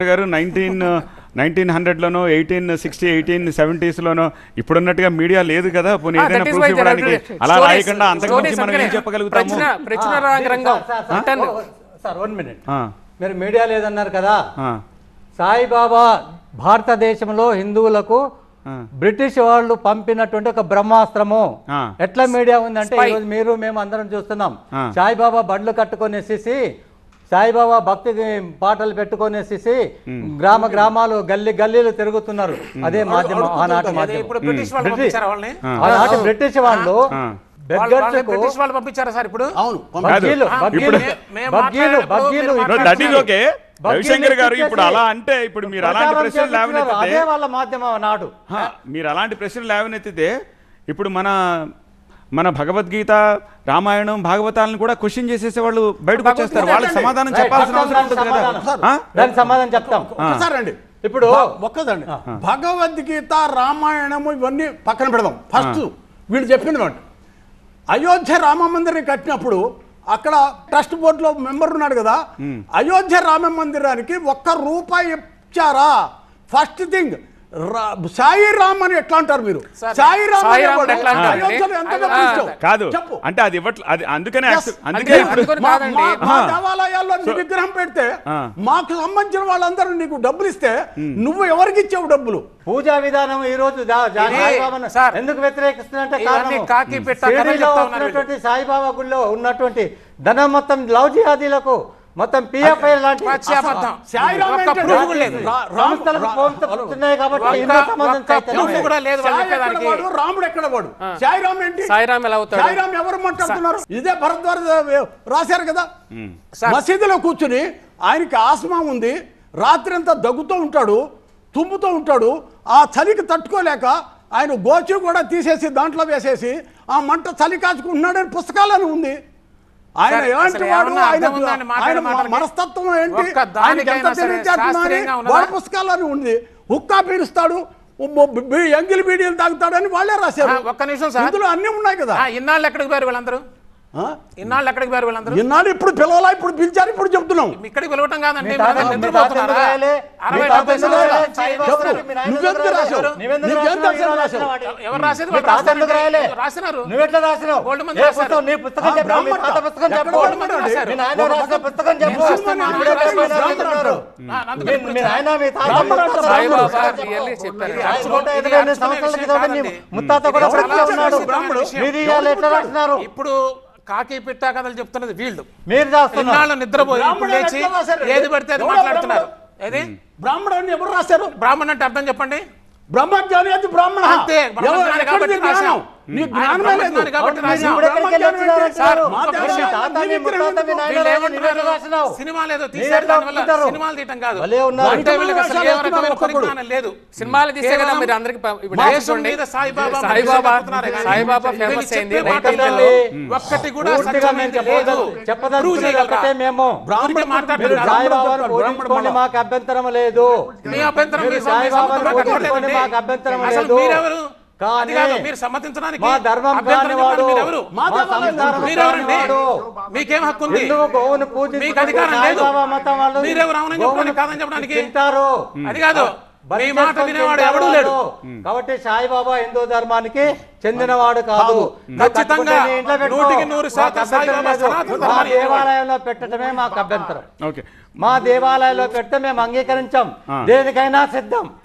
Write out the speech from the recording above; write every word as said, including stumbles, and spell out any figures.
గారు nineteen nineteen హండ్రెడ్లోనో eighteen sixty eighteen సెవెంటీస్లోనో ఇప్పుడున్నట్టుగా మీడియా లేదు కదా, పోనీ ఏదైనా ప్రూఫ్ ఇవ్వడానికి అలా రాయకుండా అంతకుమించి మనం ఏం చెప్పగలుగుతాము? సార్ వన్ మినిట్, మీరు మీడియా లేదన్నారు కదా, సాయిబాబా భారతదేశంలో హిందువులకు బ్రిటిష్ వాళ్ళు పంపినటువంటి ఒక బ్రహ్మాస్త్రము ఎట్లా మీడియా ఉందంటే ఈరోజు మీరు మేము అందరం చూస్తున్నాం. సాయిబాబా బండ్లు కట్టుకొనేసి సాయిబాబా భక్తి పాటలు పెట్టుకొనేసి గ్రామ గ్రామాలు గల్లీ గల్లీలు తిరుగుతున్నారు. అదే మాధ్యమం, ఆనాటి మాధ్యమం. ఆనాటి బ్రిటిష్ వాళ్ళు బ్రిటిష్ వాళ్ళు పంపించారా సార్? ఇప్పుడు రవిశంకర్ గారు ఇప్పుడు అలా అంటే ఇప్పుడు మీరు అలాంటి ప్రశ్నలు లేవనెత్తితే వాళ్ళ మాధ్యమం నాడు మీరు అలాంటి ప్రశ్నలు లేవనెత్తితే ఇప్పుడు మన మన భగవద్గీత, రామాయణం, భాగవతాలను కూడా క్వశ్చన్ చేసేసే వాళ్ళు బయటకు వచ్చేస్తారు. వాళ్ళకి సమాధానం చెప్పాల్సిన అవసరం ఉంటుంది కదా. దానికి సమాధానం చెప్తాం. ఒకసారి ఇప్పుడు ఒక్కదండి, భగవద్గీత, రామాయణము ఇవన్నీ పక్కన పెడదాం. ఫస్ట్ వీళ్ళు చెప్పిన అయోధ్య రామ మందిరం కట్టినప్పుడు అక్కడ ట్రస్ట్ బోర్డులో మెంబర్ ఉన్నాడు కదా, అయోధ్య రామ మందిరానికి ఒక్క రూపాయి ఇచ్చారా? ఫస్ట్ థింగ్, సాయి రామ్ అని ఎట్లా అంటారు మీరు? సాయి రామ్ కాదు అంటే అది ఇవ్వట్లేదు. అది అందుకనే అందుకే మా దేవాలయాల్లో విగ్రహం పెడితే మాకు సంబంధించిన వాళ్ళందరూ నీకు డబ్బులు ఇస్తే నువ్వు ఎవరికి ఇచ్చావు డబ్బులు? పూజా విధానం ఈ రోజు ఎందుకు వ్యతిరేకిస్తున్నట్టే సాయిబాబా గుడిలో ఉన్నటువంటి ధనం మొత్తం లవ్ జిహాదీలకు మొత్తం పిఎఫ్ఐ లాంటి రాముడు ఎక్కడ వాడు? సాయిరామ్ ఏంటి? సాయిరామ్ ఎవరు మాట్లాడుతున్నారు? ఇదే భరద్వాజ రాశారు కదా. మసీదులో కూర్చుని ఆయనకి ఆస్మా ఉంది, రాత్రి అంతా దగ్గుతూ ఉంటాడు, తుమ్ముతూ ఉంటాడు. ఆ చలికి తట్టుకోలేక ఆయన గోచి కూడా తీసేసి దాంట్లో వేసేసి ఆ మంట చలి కాచుకుంటున్నాడని పుస్తకాలను ఉంది. ఆయన ఎలాంటి వాడు, ఆయన మనస్తత్వం ఏంటి, ఆయనకి ఎంత తెలియజేస్తున్నారని వాళ్ళ పుస్తకాలని ఉంది. హుక్కా పీలుస్తాడు, ఎంగిలి బీడీలు తాగుతాడని వాళ్ళే రాశారు. ఒక్క నిమిషం సార్, ఇందులో అన్ని ఉన్నాయి కదా. ఇన్నాళ్ళు ఎక్కడికి పోయారు వీళ్ళందరూ? ఇన్నాళ్ళు ఎక్కడికి పోయారు వీళ్ళందరూ? ఇన్నాళ్ళు ఇప్పుడు పిలవాలా, ఇప్పుడు పిలిచారు, ఇప్పుడు చెప్తున్నాం. ఇక్కడికి పిలవటం కాదండి, ఎవరు రాసేది రాసినారు. ఇప్పుడు కాకి పిట్ట కథలు చెప్తున్నది వీళ్ళు. మీరు నిద్రపోయి లేచి ఏది పడితే అది మాట్లాడుతున్నారు. ఏది బ్రాహ్మణుడు ఎవరు రాశారు? బ్రాహ్మణ్ అంటే అర్థం చెప్పండి. బ్రహ్మజ్ఞాని అది బ్రాహ్మణ. అంతే, కాబట్టి రాశాం. సినిమా లేదు తీసారు, సినిమాలు తీయటం కాదు. లేదు సినిమాలు తీసే కదా మీరు అందరికి. ఒక్కటి కూడా మాకు అభ్యంతరం లేదు. మీ అభ్యంతరం అభ్యంతరం లేదు. మీరెవరు? మీరు సమ్మతించడానికి మీకేం హక్కు ఉంది? మీకు అధికారం లేదు. మీరెవరు అవునని చెప్పడానికి కాదని చెప్పడానికి? అది కాదు, మీ మాట వినేవాడు ఎవడూ లేడు. కాబట్టి సాయిబాబా హిందూ ధర్మానికి చెందినవాడు కాదు. ఖచ్చితంగా నూటికి నూరు శాతం మా దేవాలయంలో పెట్టడమే మాకు అభ్యంతరం. మా దేవాలయంలో పెడితే మేము అంగీకరించాం, దేనికైనా సిద్ధం.